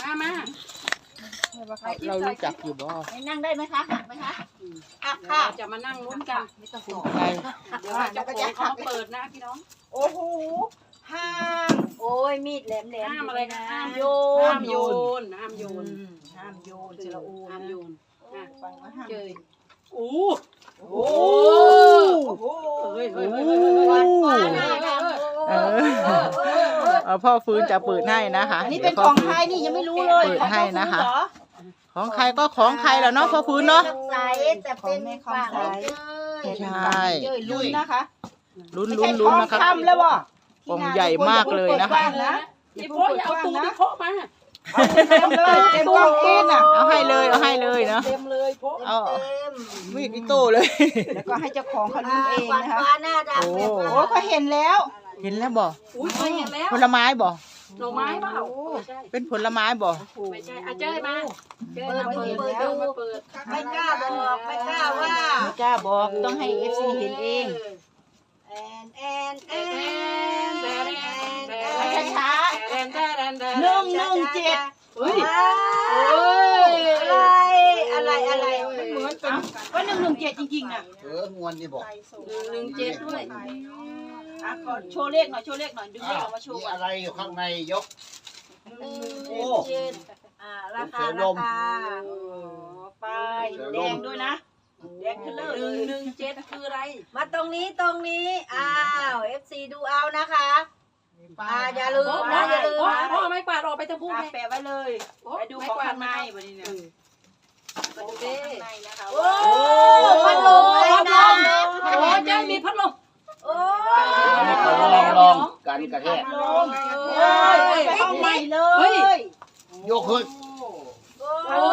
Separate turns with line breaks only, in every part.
มา
เรารู้จักอยู่บ่
นั่งได้ไหมคะหักไหมคะหักค่ะ
จะมานั่งลุ้นกันไม่ต้องห่วง
ใคร
เดี๋ยวเจ้าของเขาเปิดนะพี่น้อง
โอ้โหห้ามโอ้ยมีดแหลม
ห้ามอะไรนะห้าม
โย
ห้ามโยนห้ามโยน
ห้ามโยนจิระอู
ห้ามโยน
ฟังว่าห้าม
เจยโอ้
โอ้โห
เฮ้ย
พ่อฟื้นจะเปิดให้นะคะ
อันนี้เป็นของใครนี่ยังไม่รู้เลย
เปิดให้นะคะ ของใครก็ของใครแล้วเนาะพ่อฟื้นเนาะ
ใสแต่เป็นฝากให้เจ้ย
ใช่
เจ้ยลุ้นนะคะ
ลุ้น
ไม่
ลุ้
ใช่
น
ท
ลุ้น
อง
นะครับ
คำแล้วบ่
กล่องใหญ่มากเลยนะคะ
พี่โป๊ะอย่าเอาตูพี่โป๊ะมา
เต็มเลยเต็มกล่องเองอ่ะ
เอาให้เลยเอาให้เลยเนาะ
เต็มเลยโป๊ะ
เอามีดอิโต้เลย
แล้วก็ให้เจ้าของเขาลุ้นเองนะคะ
โอ้
โอ้เขาเห็นแล้ว
เห็นแล้วบ่
อุ้ยเคยเห็นแล้ว
ผลไม้บ่
หน่อไม้เปล่าไม่ใช่
เป็นผลไม้บ่
ไม่ใช่เจ้ยมาเจ้ยมาเปิดมาเปิด
ไม่กล้าบอกไม่กล้าว่าไม่กล้าบอกต้องให้ FC เห็นเองช้า117เฮ้ยอะไรมันเหมือนเป็นก็117จริงๆน่ะ
งวนนี่บอก
117ด้วย
ขอโชว์เลขหน่อยดึงเลขออกมาโชว์
มีอะไรอยู่ข้างในยก โอ้
ราคาไปแดงด้วยนะแดงขึ้นเลย
117คืออะไร
มาตรงนี้อ้าว FC ดูเอานะคะอย่าลืมนะอย่าลืมนะ
พ่อไม่กวาดออกไปทั้งพูดเลย
แปะไว้เลยไปดูของข้างในวันนี้เนี่ย
มาดูดิ
โอ้พัดลมอะไรนะ
โอ้เจ้ามีพัดลม
โอ้
ลองกันกระแทก
ลงไปห้องใหม่เลย
ยกขึ้น
โอ้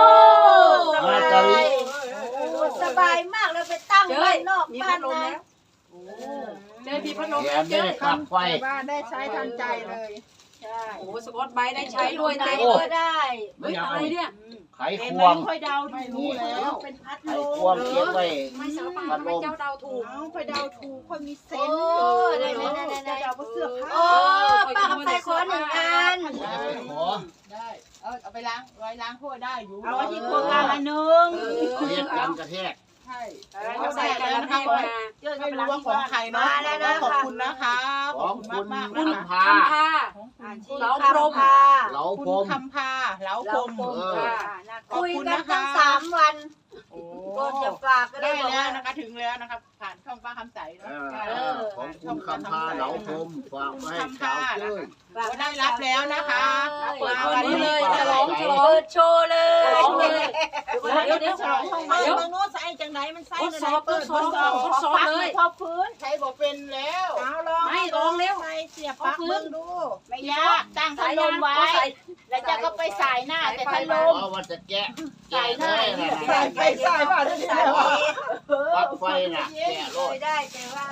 สบายมากเลยไปตั้งบ้านนอก
มี
บ้า
พั
น
ดลม
ใน
แล้วเจ้มีพัดลม
แถ
แล้ว
ม
เจ้
ได้ปักไฟ
บ้านได้ใช้ทันใจเลย
ใช่
โอ้สกอตไบได้ใช้ด้วย
ไหน
เต็ม
ก็ได้
เฮ้ยอะไรเนี่ย
ไขควง
ค่อยเดาไม่รู้แล้วเป็นพัด
ไข
ล
ควงเก็บไว้
ไม่สารพัดทำไมเจ้าเดาถูก
ค่อยเดาถูกค่อยมีเซ
โอ้
นส์
ได้
จะเดาว่าเสื้อผ้า
โอ้ป้ากับไปขอ1 อัน
ขอ
ได้เอาไปล้างไว้ล้างถ้วยได้อยู่เอาไว้ที่ครัวกลาง1
เรียกกันกระแทก
ใช่
ใส่กันแล้วให้มา
ไม่รู้ว่าของใครเนาะขอบคุณนะคะ
ของคุณ
มาก
คุณ
นะ
คำพา
ทำผ้า
เราพรม
เหลา
คุณ
พรม
คำพาเหลาพรม
คุยกันตั้ง3 วันก็จะฝากก็
ได้
ได้บอก
แล้ว
ว่า
นะคะถึงแล้วนะคะผ่านช่องป้าคำใสเนาะ
ของคุณคำพาเหลาพรมฝากไว้ให้สาวเจ้ย
ได้รับแล้วนะคะ
เปิดคนนี้เลยฉลอง
เปิดโชว์เลย
เดี๋ยว
ฉลองห้องใหม่บางโน้ตใส่จังไหนมันใส่
ทดสอบเลย
ทอบพื้นใช้บอกเป็นแล้วเอาลอง
ไม่ลองเร็ว
ใส่เสียบปลั๊กมึงดูไม่ยากตั้งพัดลมไว้ แล้วจะก็ไปสายหน้าแต่พัดลม
เพราะว่าจะแกะได้นะ
ใส่ไปใส่มาได้ใส่
ปักไฟน่ะแกะร
เค
ถ
ยได้แต่ว่า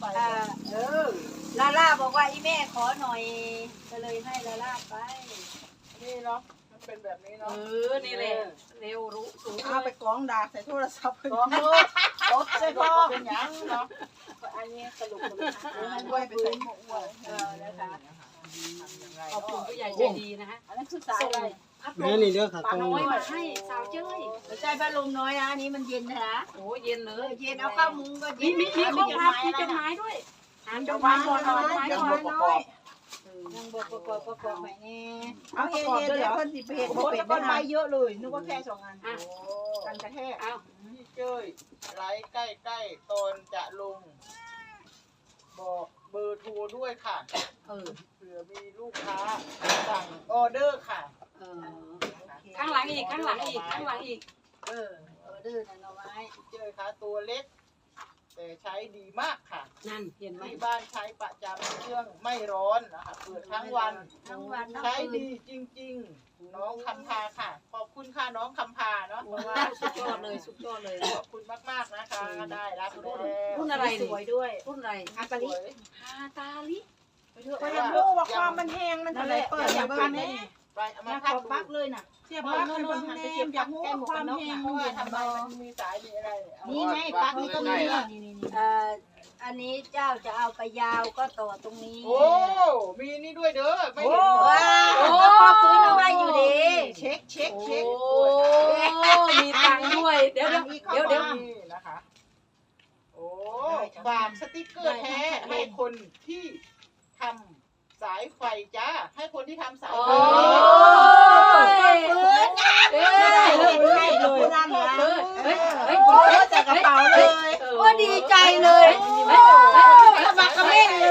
ลาล่าบอกว่าอีแม่ขอหน่อย ก็เลยให้ลาล่าไป
นี่เนาะมันเป็นแบบนี้เนาะ
นี่แหละเร็วรู้สูง
เอาไปกองดาษใส่โทรศัพท์กองลูกตบใส่พ่อเป็นยังเนาะอันนี้สรุปด้วยไปใส่หมวกอ้วนนะคะ
ขอบคุณผู้ใหญ่ใจดีนะฮะ
อันนั้นคือสายอะไร
นี่เด้อค่ะ
ปาน้อยมาให้สาวเจ้ย
ไม่ใช่พัดลมน้อยนะอันนี้มันเย็นนะ
โอ้เย็นเลย
เย็นเอาข้าวมุ้งก็
มี
เย็น
มีข้อความมีจดหมายด้วยอ่านจดหมายก่อนอ่านจดหมาย
ยัง
ก่
บ่
อน
ประกอบ
ยังบอกประกอบใหม่แน่เอาเย็นเดี๋ยวคนสิเพจโอ้ยก้อนไม้เยอะเลยนึกว่าแค่2 อันกันกระแทก
เอา
พี่เจ้ยไลฟ์ใกล้ๆตอนจะลง บอกเบอร์โทรด้วยค่ะเผื่อมีลูกค้าสั่งออเดอร์ค่ะ
ข้างหลังอีกข้างหลังอีกข้างหลังอีก
ดื้อนะน้องไม้
พี่เจ้ยคะตัวเล็ก แต่ใช้ดีมากค่ะ
นั่นเห็นไหม
ที่บ้านใช้ประจำเครื่องไม่ร้อนนะคะเปิดทั้งวัน
ทั้งวันทั้ง
ใช้
คืน
ดีจริงๆ น้องคำพาค่ะ ขอบคุณค่ะน้องคำพาเนาะ
สุดยอดเลยสุดยอดเลย
ขอบคุณมากๆนะคะ ได้รับแล้ว
รุ่นอะไร
สวยด้วย
รุ่นอะไร
อากาลิ
ฮาตาลิ
ก็ยังรู้ว่าความมันแห้งมันอะไรเปิดอย่างพันนี่
ไปเอามา
มา
พั
พั
ด
กปักเลยน่ะเสียบปักให้คนหันไปเสียบปักแก้หมวกกันน็อกนะ
เพราะว่าทำไมมันมีสายมีอะไรเอา
นี่ไงปักนี่ก็มีนี่
อันนี้เจ้าจะเอาไปยาวก็ต่อตรงนี้
โอ้ มีนี่ด้วยเด้อ ไม่
โอ้
เห็น
ว้าวพ่อฟื้นเอาไว้อยู่ดี
เดี๋ยว
นี่นะคะโอ้ฝากสติกเกอร์แท้ให้คนที่ทำสายไฟจ้าให้คนที่ทำสายไฟ
โอ้ยได้เลยให้เลยนั่นนะจากกระเป๋าเลยก็ดีใจเลยขมักกระเม่นเลย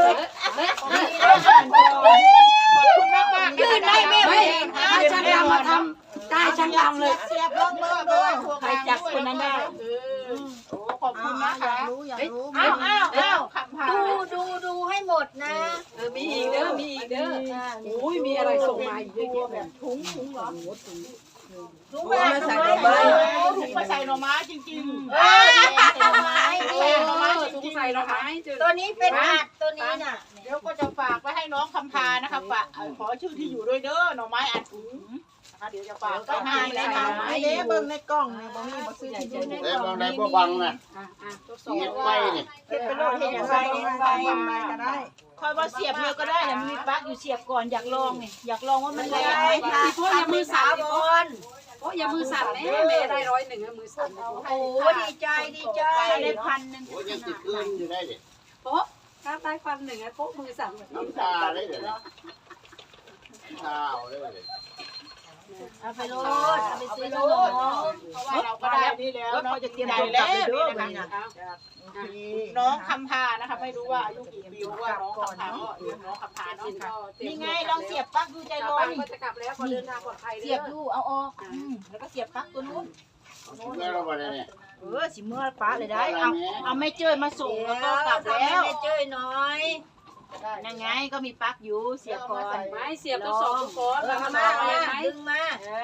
ขอบคุณมากมาก
ยืนได้แม่ไม่ช่างดำมาทำได้ช่างดำเลย
เสียบลงเลย
ใครจับคนนั้นได้
โอ้ขอบคุณนะคะ
อยากรู้
อ้าว
คำพา
ดูให้หมดนะ
มีอีกเด้อมีอีกเด้ออุ้ยมีอะไรส่งมาอีกเยอะแยะแบบ
ถุงเหรอ
ถุงมาใส่
ถุ
ถุ
ง
งมา
มาใส่หน่อไม้จริงๆ
ถุงไม้
ใส่หน่อไม้จ
ถุง
ริง
ใส่
ๆ
เรา
นะคะ
หายจุด
ตัวนี้เป็นอัดตัวนี้น่ะ
เดี๋ยวก็จะฝากไว้ให้น้องคำพานะคะฝากขอชื่อที่อยู่ด้วยเด้อหน่อไม้อัดถุงนะคะเดี๋ยวจะฝากไปให้แล้วนะ
ไอ้เด้เบิ่งในกล้องนี่บ่มีบ่ซื้อที่อยู่
เอ้ยบางไหนบ่บังน่ะ
ทดสอบ
เงียบไปนี่
เฮ็ดไปโลดเฮ็ดอย่างไรไปก็ได้
คอยว่าเสียบเลยก็ได้เนี่ยมันมีปลั๊กอยู่เสียบก่อนอยากลองนี่อยากลองว่ามันแรงไหม
พี่พ่ออย่ามือสั่น
บอล
พ่ออย่ามือสั่นแม่แม่ได้101มือสั่น
โอ้ดีใจดีใจ
ได้1,000
โอ้ยยังติดคืนอยู่ได้ดิ
โป๊ะถ้าได้1,000โป๊ะมือสั่น
น้ำตาได้เลยน้ำตาเอาได้เลย
เอาไปโลดเอาไปซื้อขนม
เพราะว่าเราก็ได้นี่แล้ว
แล้ว
เนาะ
เขาจะเตรียม
ได้
ตัวกลั
แล้
บ
ว
ไปเด้อ
นี่
บัด
นะ
นี้
คะ
นะ
น้องคำพานะคะไม่รู้ว่าอายุกี่ปีว่าน้องคำพาก็เรียกน้องคำพาเนาะ
นี่ไงลองเสียบปลั๊กดูใจ
ใจ
ร้
ร้
อ
อน นก็จะกลับแล้วพอเดินทางปลอดภัย
เสียบดูเอาออกแล้วก็เสียบปลั๊กตัวนู้น
เมื่อเราไปเนี่ย
สิเมื่อป้าเลยได้เอาไม่เจอมาส่งแล้วก็กลับแล้ว
ไม่เจ้ยน้อย
ยังไงก็มีปลั๊กอยู่เสียบก่อน
ไม้เสียบต้องสองคน
เอา
แล้ว
มา
มาอะไรไหม
ดึงมา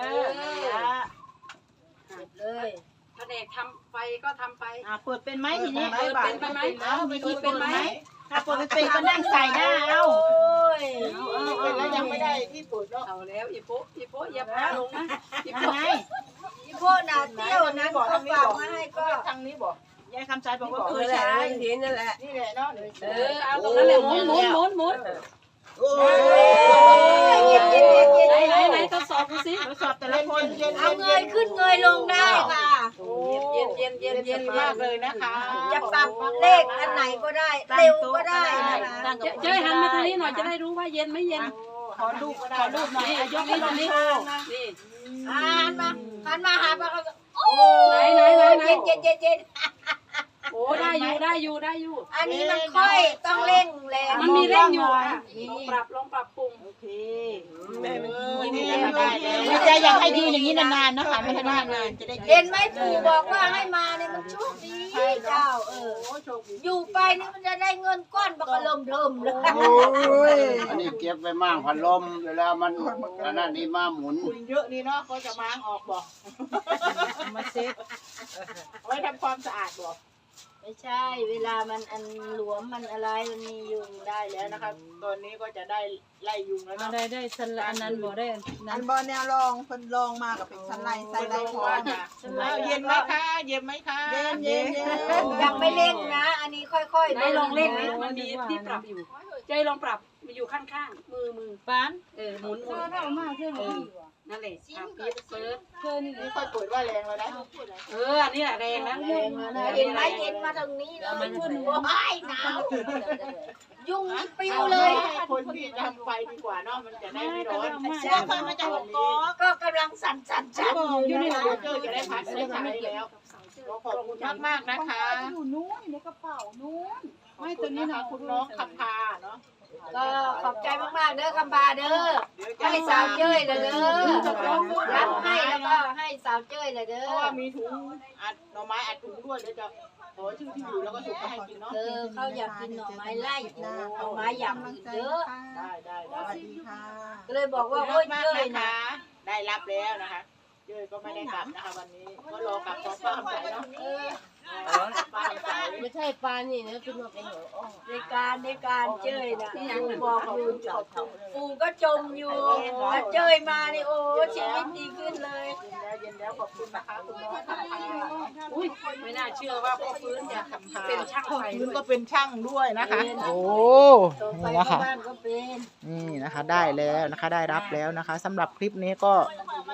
เลย
แผนกทำไฟก็ทำไป
เปิดเป็นไหมทีนี้
เปิดเป็นไหม
วิธีเป็นไหมถ้าเปิดไม่เป็นก็นั่งใส่หน้าเอา
โอ้ย
เป็นแล้วยังไม่ได้ที่เปิดเนาะ
เอาแล้วอีโป๊ะอย่าพาลงนะอี
ยัง
โป๊ะ
ไง
พี่พ่อน่ะเที่ยวนั้นเขาฝากมาให้ก็
ทางนี้บอก
ยายคำใจบอกว่าเคยใช้
เห็นนั่นแหละ
นี่แหละเนาะ
เอาตรงนั้นแหละหมุน
โอ้
เย็นเย็นเย็นเย็น
ไหนทดสอบดูสิ
ทดสอบแต่ละคน
เอาเงยขึ้นเงยลงได้ค่ะ
เย็น
มากเลยนะคะ
จะปรับเลขอันไหนก็ได้ เร็วก็ได้นะคะ
เจ้ยหันมาทางนี้หน่อยจะได้รู้ว่าเย็นไม่เย็น
ขอรูปหน่อย
นี่ยกนี้ตรงนี้นี่
หันมาหาปลาเขา
ไหน
เย็นเย็นเย็นเย็น
โอ้ได้อยู่
อันนี้มันค่อยต้องเร่งแรง
มันมีเร่งอยู่ลองปรับปรุง
โอเค
นี่ได้
ดีใจอยากให้ยืนอย่างนี้นานๆนะคะไม่ให้นานๆจะได้
เห็นไหมปู่บอกว่าให้มาเนี่ยมันโชคดีเจ้าอยู่ไปนี่มันจะได้เงินก้อนบักเริ่มเลย
โอ้ย
อันนี้เก็บไว้มั่งพัดลมเวลามันอันนั้นนี่มาหมุน
คุณเยอะนี่เนาะก็จะม้างออกบอก
มาเซ็ต
ไว้ทำความสะอาดบอก
ไม่ใช่เวลามันอันหลวมมันอะไรมันมียุงได้แล้
แล้ว ว
นะ
นะคะ ตอนนี้ก็จะได้ไล่ยุงแล้วเนาะ
ได้สลันนั้นบ่ได้
อันบ่แนวลองเพิ่นลองมาก็เป็นชั้นไล่ใส่ไล่พอ
เย็นไหมคะเย็นไหมคะ
เย็นเย็นเย็น
ยังไม่เร่งนะ อันนี้ค่อยๆ
ได้ลองเล่นนะมันมีที่ปรับอยู่ใจลองปรับมันอยู่ข้างๆมือบ้านหมุนนั่นแหละปิดเปิด
นี่ค่อยเปิดว่าแรงแล้วนะ
อันนี้แหละแรงนะ
แรงแล้วนะเห็นไหมเย็นมาทางนี้แล้วมันขึ้นหัวไอ้หนาวยุงนี่ปิวเลย
คนที่ทำไฟดีกว่าเนาะมันจะได้ไม่ร้อน
เสื้อคนมาจากหัวกอ
ก็กำลังสั่น
อยู่นี่เจอจะได้พักได้ใช้แล้วขอบคุณมากๆนะคะ
อยู่นู้นในกระเป๋านู้น
ไม่ตัวนี้นะคุณน้องคำพาเนาะ
ก็ขอบใจมากๆเด้อคำบาเด้อให้สาวเจ้ยเลยเด้อรับให้แล้วก็ให้สาวเจ้ยเลยเด้
เพ
อ
ราะว่ามีถุงอัดหน่อไม้อัดถุงด้วยเดี๋ยวจะขอชื่อที่อยู่แล้วก็ส่งไปให้กินเนาะ
เขาอยากกินหน่อไม้ไล่หน่อไม้อย่างอื่นเยอะ
ได้
สวัสดีค่ะ
ก็เลยบอกว่า
โอ้
โอ้
ย
ย
มาก
เจ้ย
นะ
นะคะ
ได้รับแล้วนะคะเจ้ยก็ไม่ได้กลับนะคะวันนี้ก็รอกลับพร้อมป้าคำใสเนาะป้าคำใส
ไม่ใช่ปลานี่นะคือมาเป็นหัวอ้อ
ในการเจ้ยนะบอกอยู่ปู่ก็จมอยู่แล้วเจ้ยมานี่โอ้ชีวิตดีขึ้นเลย
เย็นแล้วขอบคุณนะคะคุณน้องคำพา
อุ้ยไม่น่าเชื่อว่าพ่อฟื้นจะเป็นช่างไฟ
คุณก็เป็นช่างด้วยนะคะ
โอ้
ต่อไป
นี่นะคะ
บ้านก็เป็น
นี่นะคะได้แล้วนะคะได้รับแล้วนะคะสำหรับคลิปนี้ก็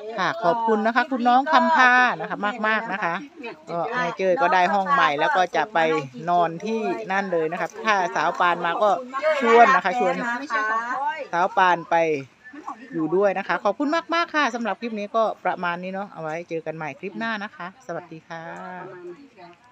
ค่ะขอบคุณนะคะ คุณน้องคำพานะคะมากๆนะคะก็นายเจยก็ได้ห้องใหม่แล้วก็จะไปนอนที่นั่นเลยนะครับถ้าสาวปานมาก็ชวนนะคะชวนสาวปานไปอยู่ด้วยนะคะ ขอบคุณมากๆค่ะสำหรับคลิปนี้ก็ประมาณนี้เนาะเอาไว้เจอกันใหม่คลิปหน้านะคะ สวัสดีค่ะ